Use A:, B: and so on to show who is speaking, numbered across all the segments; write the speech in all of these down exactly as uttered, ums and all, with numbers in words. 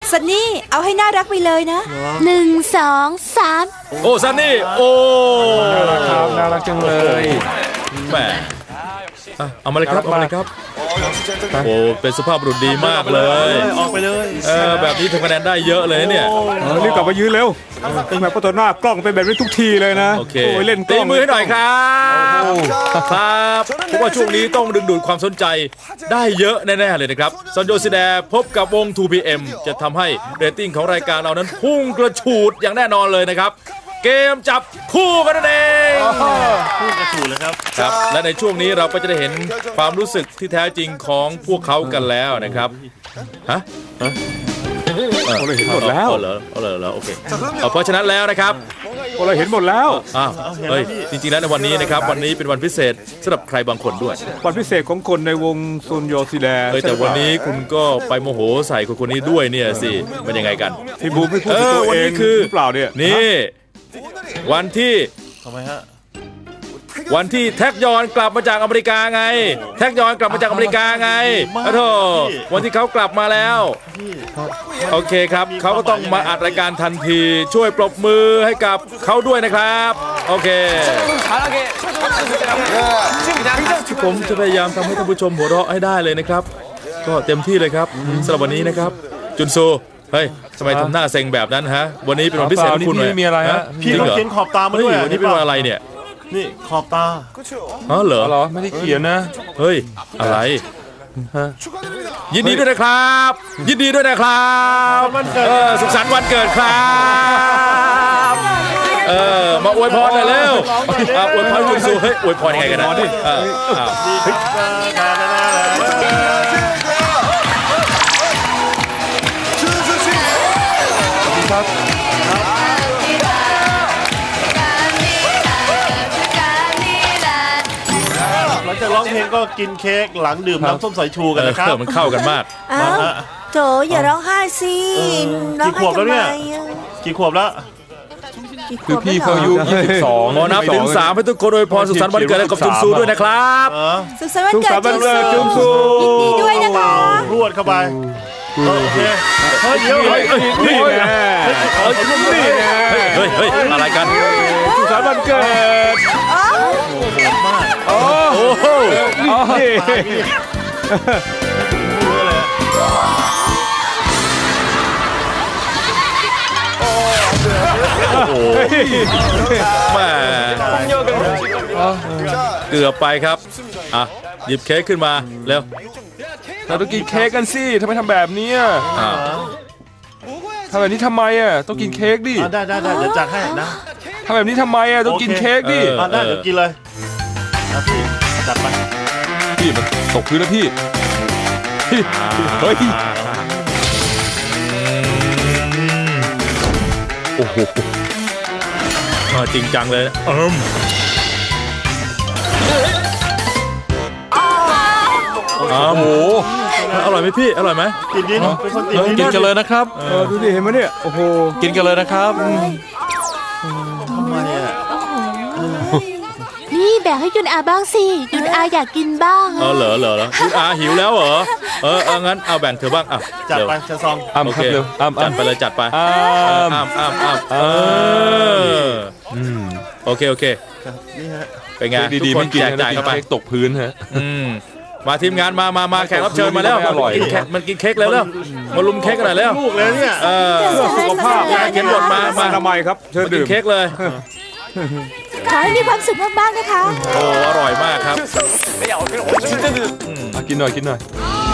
A: ซันนี่เอาให้น่ารักไปเลยนะ
B: หนึ่งสองสาม
C: โอ้ซันนี่โอ้
D: น่ารักครับน่ารักจังเลย
C: แหมเอามาเลยครับเอามาเลยครับโอ้เป็นสุภาพบุรุษดีมากเลย
E: ออกไปเลย
C: เออแบบนี้ทำคะแนนได้เยอะเลยเนี่ย
D: รีบกลับมายืนเร็วเป็นแบบประตูหน้ากล้องเป็นแบบนี้ทุกทีเลยนะ
C: โอเคเล่นตีมือให้หน่อยครับครับเพราะว่าช่วงนี้ต้องดึงดูดความสนใจได้เยอะแน่ๆเลยนะครับซันโยซิแดพบกับวง ทู พี เอ็ม จะทำให้เรตติ้งของรายการเรานั้นพุ่งกระฉูดอย่างแน่นอนเลยนะครับเกมจับคู่กันนั่นเอง
E: คู่กระฉูดเลยครับ
C: ครับและในช่วงนี้เราก็จะได้เห็นความรู้สึกที่แท้จริงของพวกเขากันแล้วนะครับฮะ
D: เราเห็นหมดแล้ว
C: เหรอเหรอเหรอโอเคเพราะฉะนั้นแล้วนะครับ
D: เราเห็นหมดแล้ว
C: อ้าวเฮ้ยจริงๆแล้วในวันนี้นะครับวันนี้เป็นวันพิเศษสำหรับใครบางคนด้วย
D: วันพิเศษของคนในวงซุนโยซิแด
C: เฮ้ยแต่วันนี้คุณก็ไปโมโหใส่คนคนนี้ด้วยเนี่ยสิเป็นยังไงกัน
D: พี่บูมไม่พูดตัวเอง
C: คือ
D: เปล่าเนี่ย
C: นี่วันที่
E: ทำไมฮะ
C: วันที่แท็กยอนกลับมาจากอเมริกาไงแท็กยอนกลับมาจากอเมริกาไงโอ้โหวันที่เขากลับมาแล้วโอเคครับเขาก็ต้องมาอัดรายการทันทีช่วยปรบมือให้กับเขาด้วยนะครับโอเคผมจะพยายามทำให้ท่านผู้ชมหัวเราะให้ได้เลยนะครับก็เต็มที่เลยครับสำหรับวันนี้นะครับจุนซูเฮ้ยทำไมทำหน้าเซ็งแบบนั้นฮะวันนี้เป็นวันพิเศษของคุณเลย
D: มีอะไรฮะ
E: พี่ต้องเขียนขอบตามาด้วย
C: วันนี้เป็นวันอะไรเนี่ย
E: นี่ขอบตา
C: อ๋อเหรอ
D: เหรอไม่ได้เขียนนะ
C: เฮ้ยอะไรยินดีด้วยนะครับยินดีด้วยนะครับเออสุขสันต์วันเกิดครับเออมาอวยพรหน่อยเร็วอวยพรคุณซูเฮ้ยอวยพรยังไงกันนะ
E: หลังจากร้องเพลงก็กินเค้กหลังดื่มน้ำส้มสายชูกันนะครับ
C: มันเข้ากันมาก
A: โถอย่าร้องไห้สิ
E: กี่ขวบแล้วเนี่ยกี่ขวบแล้ว
D: คือพี่เขาอายุยี่สิบสอง
C: หมอนับถึงสามให้ทุกคนโดยพรสุขสันต์วันเกิดให้กับจุนซูด้วยนะครับ
A: สุขสันต์วันเกิด
D: จุนซู
A: ยินดีด้วยนะคะ
E: รวดเข้าไปโอเคเฮ้ยเดี๋ยวเฮ้ย
C: นี่ไงเฮ้ยเฮ้ยเฮ้ยอะไรกัน
D: สุขสันต์วันเกิด
C: โอ้โหโอ้โหแม่เกือบไปครับอ่ะหยิบเค้กขึ้นมาเร็ว
D: เราต้องกินเค้กกันสิทำไมทำแบบนี้ทำแบบนี้ทำไมอ่ะต้องกินเค้กดิ
E: ได้ได้ได้เดี๋ยวจัดให้นะ
D: ทำแบบนี้ทำไมอ่ะต้องกินเค้กดิ
E: ได้เดี๋ยวกินเลยนะพี่จัดไป
D: พี่มันตกพื้นแล้วพี่เฮ้ย
C: โอ้โหจริงจังเลยเอิมโอ้โหอร่อยไหมพี่อร่อยไหม
E: กินกินเป็นคนติด
D: กินกันเลยนะครับดูดิเห็นไหมเนี่ยโอ้โหกินกันเลยนะครับ
E: ทำไมอ่ะ
B: นี่แบ่งให้ยุนอาบ้างสิยุนอาอยากกินบ้าง
C: เออเหรอเหรอยุนอาหิวแล้วเหรอเออเอองั้นเอาแบ่งเธอบ้างอ่ะ
E: จัดไปจะซอง
C: โอเคจัดไปเลยจัดไปอ้ามอ้ามอ้ามอ้ามเออโอเคโอเค
E: นี่ฮะ
C: เป็นไงทุกคนแจกจ่ายเข้าไป
D: ตกพื้นฮะ
C: มาทีมงานมามามาแขกรับเชิญมาแล้วมันกินเค้กแล้วแล้วมาลุมเค้กกันหน่อยแล้ว
E: ลูกเลยเนี่ย
C: เออ
D: เพื่อสุขภาพ
C: เขียนบทมา
D: มาทำไมครับเชิญดื่ม
C: เค้กเลย
B: ขอให้มีความสุขมากๆนะคะ
C: โอ้อร่อยมากครับ
D: กินหน่อยกินหน่อย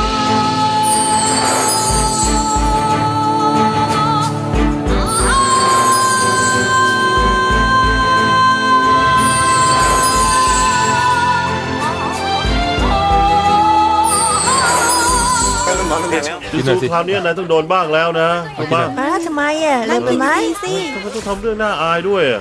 E: จุนซูคราวนี้นายต้องโดนบ้างแล้วนะถูกไหม
A: ทำไมอ่ะเลยไปไหมสิ
E: ทำไมต้องทำเรื่องน่าอายด้วยอ่ะ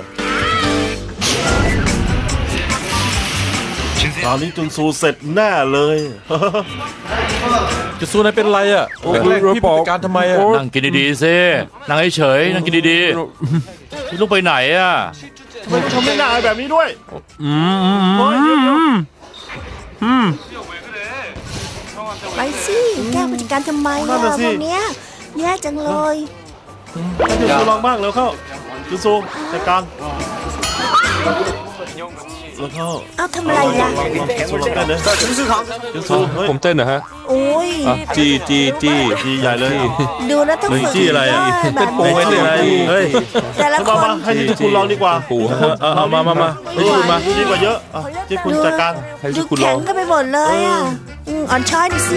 E: ตอนนี้จุนซูเสร็จแน่เลย
D: จุนซูนายเป็นไรอ่ะพี่บอกการทำไมอ่ะ
C: นั่งกินดีๆสินั่งเฉยๆนั่งกินดีๆพี่ลูกไปไหนอ่ะ
E: ทำไมทำเรื่องน่าอายแบบนี้ด้วย
C: อืมอืม
A: ไปสิแก้ผู้จัดการทำไมอ่ะวันนี้แย่จังเลย
E: จูซูลองบ้างเร็วเข้าจูซูจัดการเร็วเข้า
A: เอ้าทำอะไรล่ะ
E: จูซูลองเต้นเลยจูซูจูซูเฮ้ย
D: ผมเต้นนะฮะ
A: โอ้ย
D: อ่ะจีจีจี
E: ดีใหญ่เลย
A: ดูแล้วต้อง
C: เฮ้ย
A: ฝึก
C: จี้อะไรอ่ะ
A: แบบ
C: ไม่
A: นี้
C: ใช่อะไรเฮ้ย
A: แต่ละค
E: มาน มาให้ที่คุณลองดีกว่า
D: ปูฮะ
C: เอาเอามามามาให้คุณมา
E: ดีกว่าเยอะอ่ะที่คุณจัดการ
D: ให้
A: ดู
D: ที่คุณล
A: แข็
D: อง ง
A: กันไปหมดเลยอ่ะอืมอ่อนช้อยหน่อยสิ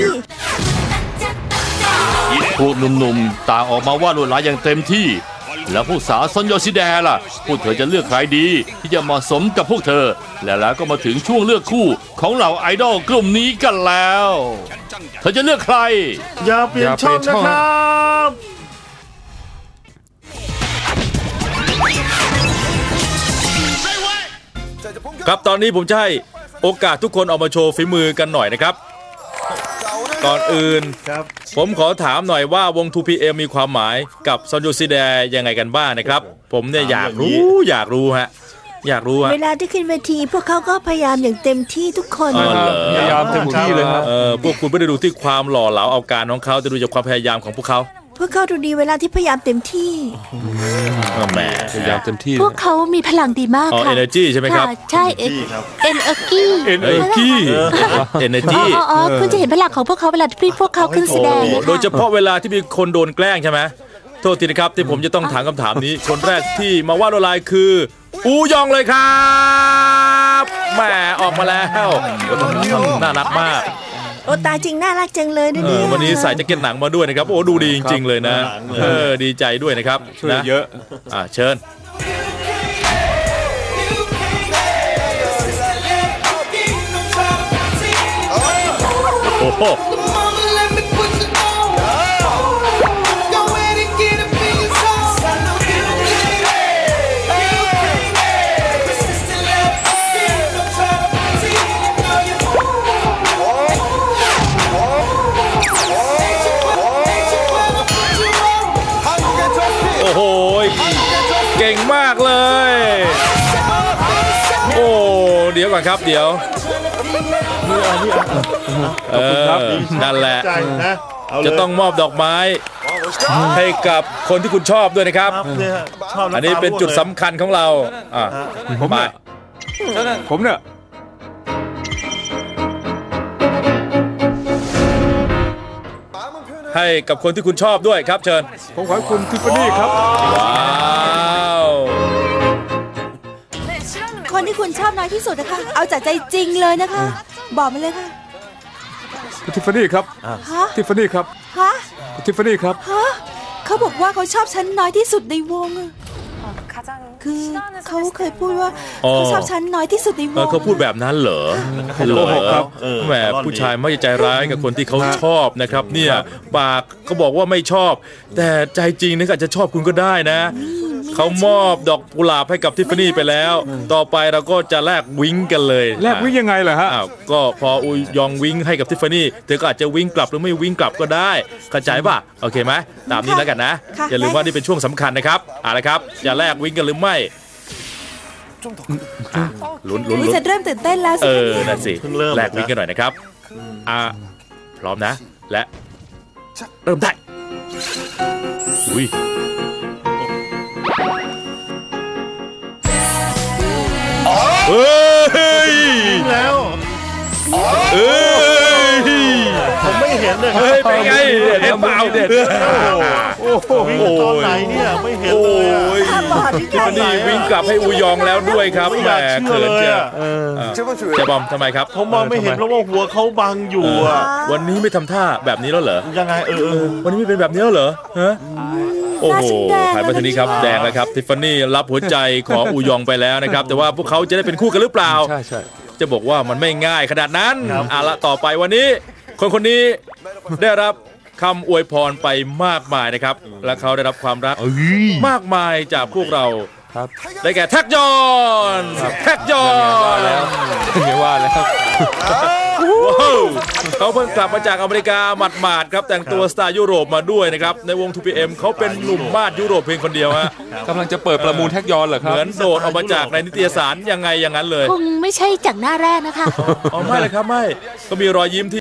F: พวกหนุ่มๆต่างออกมาวาดลวดลายอย่างเต็มที่ แล้วพวกสาวซอนโยชิแดล่ะพวกเธอจะเลือกใครดี ที่จะเหมาะสมกับพวกเธอ และแล้วก็มาถึงช่วงเลือกคู่ของเหล่าไอดอลกลุ่มนี้กันแล้ว เธอจะเลือกใคร
E: อย่าเปลี่ยนช่องนะครับ
C: ครับตอนนี้ผมจะให้โอกาสทุกคนออกมาโชว์ฝีมือกันหน่อยนะครับ ก่อนอื่น
E: ครับ
C: ผมขอถามหน่อยว่าวง ทู พี เอ็ม มีความหมายกับซอนโยซิแดยังไงกันบ้างนะครับ ผมเนี่ยอยากรู้อยากรู้ฮะอยากรู้ฮะ
A: เวลาที่ขึ้นเวทีพวกเขาก็พยายามอย่างเต็มที่ทุกคน
C: อ๋อเหรอ
D: พยายามเต็มที่เลยครับ
C: เออพวกคุณไม่ได้ดูที่ความหล่อเหลาเอาการของเขาแต่ดูจากความพยายามของพวกเขา
A: พวกเขาดูดีเวลาที่พยายามเต็มที่
C: แหม
D: พยายามเต็มที่
B: พวกเขามีพลังดีมาก
C: อ๋อ
B: ค่ะ
C: energy ใช่ไหมครับ
B: ะใช่เอ็น
E: ดีครับ
B: เอ็นเอกี้
C: เอ้ยกี้เอเน
B: อ๋
C: จี
B: ออ๋ออ๋อคุณจะเห็นพลังของพวกเขาเวลาที่พวกเขาขึ้นแสดงนะคะ
C: โดยเฉพาะเวลาที่มีคนโดนแกล้งใช่ไหมโทษทีนะครับที่ผมจะต้องถามคำถามนี้ คนแรกที่มาวาดลวดลายคือ อูยองเลยครับแหมออกมาแล้วน่ารักมาก
A: โอ้ตายจริงน่ารักจังเลยนะ
C: เอ
A: เนี่
C: อย วันนี้ใส่แจ็คเก็ตหนังมาด้วยนะครับโอ้ดูดีจริงๆเลยนะเออดีใจด้วยนะครับ
D: ช่วย
C: นะ
D: เยอะ
C: อ่าเชิญโอ้โหโอ้โหเก่งมากเลย โอ้เดี๋ยวก่อนครับเดี๋ยว
E: นี่อ่ะนี่อ่ะ
C: เออนั่นแหละ
E: ใจนะเอาเลย
C: จะต้องมอบดอกไม้ ให้กับคนที่คุณชอบด้วยนะครับ
E: ครับเนี่ยชอบำตา
C: อันนี้เป็นจุด
E: ร่วงลย
C: สำคัญของเราอ่ะ
D: ผม
C: มา
D: เนี่ยผมเนี่ย
C: ให้กับคนที่คุณชอบด้วยครับเชิญ
D: ผมขอให้คุณทิฟฟานี่ครับ
C: ว้าว
B: คนที่คุณชอบน้อยที่สุดนะคะ เอาจากใจจริงเลยนะคะ บอกมาเลยค่ะ
D: คุณทิฟฟานี่ครับ
B: ฮะ
D: ทิฟฟานี่ครับ
B: ฮะ
D: คุณทิฟฟานี่ครับ
B: ฮะเขาบอกว่าเขาชอบฉันน้อยที่สุดในวงอะคือเขาเคยพูดว่าเขาชอบฉันน้อยที่สุดในว
C: เออง เขาพูดแบบนั้นเหรอ
E: เขา
C: เหร
E: โก
C: อ
E: หกครับเออ
C: แหมผู้ชายไม่ใจร้ายกับคนที่เขาชอบนะครับ เนี่ยปากเขาบอกว่าไม่ชอบ แต่ใจจริงเนี่ยก็อาจจะชอบคุณก็ได้นะ เขามอบดอกกุหลาบให้กับทิฟฟานี่ไปแล้ว ต่อไปเราก็จะแลกวิ้งกันเลย
D: แลกวิ่งยังไงล่ะฮะ
C: อ้าวก็พออุยยองวิ้งให้กับทิฟฟานี่เธอก็อาจจะวิ้งกลับหรือไม่วิ้งกลับก็ได้เข้าใจป่ะโอเคไหมตามนี้แล้วกันนะ
A: ค่ะ
C: อย่าลืมว่านี่เป็นช่วงสำคัญนะครับเอาละครับจะแลกวิ้งกันหรือไม่อ่ะลุ้นลุ้น
B: อุ๊ย
C: ลุ้น
B: จะเริ่มตื่นเต้นแล้ว
C: เอ
B: สิ
C: อนั่นสิ
E: เพิ่งเริ่ม
C: แลกวิ้งกันหน่อยนะครับอ่ะพร้อมนะและเริ่มได้อุ้ยเฮ้ย
E: แล้ว
C: เอ้ย
E: ผมไม่เห็นเลยครับ
C: เฮ้ยเป็นไงเห็นเปล่า
D: เด็ด
C: โอ้โห
E: วิ่งตอนไหนเนี่ยไม่เห็น
C: โอ้
E: เลยอะ
C: ย
A: ตาบอดหรือ
C: ทิฟ
A: ไง
C: ฟานี่วิ่งกลับให้อูยองแล้วด้วยครับ
E: ไม่
C: แห
E: อ
C: ม
E: ยากเชื่อ
C: เขิน
E: เลย
C: เชียว
E: อะ
C: เจ๊บอมทำไมครับ
E: ผมมองไม่เห็นเพราะว่าหัวเขาบังอยู่อะ
C: วันนี้ไม่ทำท่าแบบนี้แล้วเหรอ
E: ยังไงเออเออ
C: วันนี้ไม่เป็นแบบนี้แล้วเหรอฮะโอ้โห
A: หน้าฉันแดง
C: หันมาทางนี้ครับแดงแล้วครับทิฟฟานี่รับหัวใจของอูยองไปแล้วนะครับ แต่ว่าพวกเขาจะได้เป็นคู่กันหรือเปล่า
D: ใช่ใช่
C: จะบอกว่ามันไม่ง่ายขนาดนั้นเอาละต่อไปวันนี้ คนคนนี้ได้รับคำอวยพรไปมากมายนะครับ และเขาได้รับความรักมากมายจากพวกเรา
D: ครับ
C: ได้แก่แท็กยอนแท็กยอน
D: แล้วไม่ว่าแล้ว
C: ว้าวเขาเพิ่งกลับมาจากอเมริกาหมาดๆครับแต่งตัวสไตล์ยุโรปมาด้วยนะครับในวง ทู พี เอ็ม เขาเป็นหนุ่มมาดยุโรปเพียงคนเดียวฮะ
D: กำลังจะเปิดประมูลแท็กยอนเหรอค
C: เห
D: รับ
C: มือนโดดออกมาจากในนิตยสารยังไงอย่างนั้นเลย
B: คงไม่ใช่จากหน้าแรกนะคะ
C: อ๋อไม่เลยครับไม่ก็มีรอยยิ้มที่